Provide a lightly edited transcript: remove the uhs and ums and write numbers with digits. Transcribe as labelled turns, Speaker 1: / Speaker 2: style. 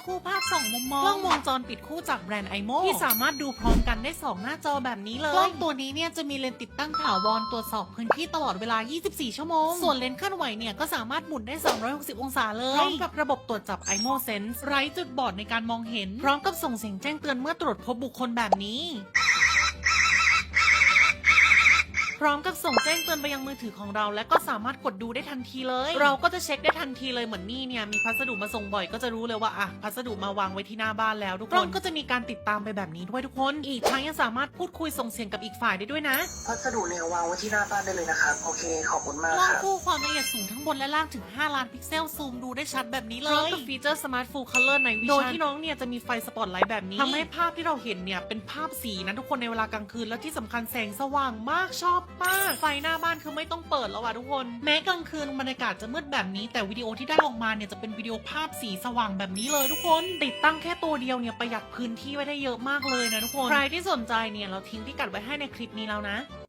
Speaker 1: คู่ภาพ2 มุมมองกล้องวงจรปิดคู่จากแบรนด์ iMo ที่สามารถดูพร้อมกันได้2 หน้าจอแบบนี้เลยกล้องตัวนี้เนี่ยจะมีเลนส์ติดตั้งถาวรตรวจสอบพื้นที่ตลอดเวลา24 ชั่วโมงส่วนเลนส์เคลื่อนไหวเนี่ยก็สามารถหมุนได้360 องศาเลยพร้อมกับระบบตรวจจับ iMo Sense ไร้จุดบอดในการมองเห็นพร้อมกับส่งเสียงแจ้งเตือนเมื่อตรวจพบบุคคลแบบนี้พร้อมกับส่งแจ้งเตือนไปยังมือถือของเราและก็สามารถกดดูได้ทันทีเลยเราก็จะเช็คได้ทันทีเลยเหมือนนี่เนี่ยมีพัสดุมาส่งบ่อยก็จะรู้เลยว่าพัสดุมาวางไว้ที่หน้าบ้านแล้วทุกคนกล้องก็จะมีการติดตามไปแบบนี้ด้วยทุกคนอีกทั้งยังสามารถพูดคุยส่งเสียงกับอีกฝ่ายได้ด้วยนะ
Speaker 2: พัสดุเนี่ยวางไว้ที่หน้าบ้านได้เลยนะครับโอเคขอบคุณมาก
Speaker 1: กล้อง
Speaker 2: ครับ
Speaker 1: คู่ความละเอียดสูงทั้งบนและล่างถึง5 ล้านพิกเซลซูมดูได้ชัดแบบนี้เลยพร้อมกับฟีเจอร์ Smart Full Color Night Vision โดยที่น้องเนี่ยจะมีไฟสปอตไลท์แบบนี้ทำให้ภาพที่เราเห็นเนี่ยเป็นภาพสีนะทุกคนในเวลากลางคืนและที่สำคัญแสงสว่างมากชอบมากไฟหน้าบ้านคือไม่ต้องเปิดแล้วทุกคนแม้กลางคืนบรรยากาศจะมืดแบบนี้แต่วิดีโอที่ได้ออกมาเนี่ยจะเป็นวิดีโอภาพสีสว่างแบบนี้เลยทุกคนติดตั้งแค่ตัวเดียวเนี่ยประหยัดพื้นที่ไว้ได้เยอะมากเลยนะทุกคนใครที่สนใจเนี่ยเราทิ้งพิกัดไว้ให้ในคลิปนี้แล้วนะ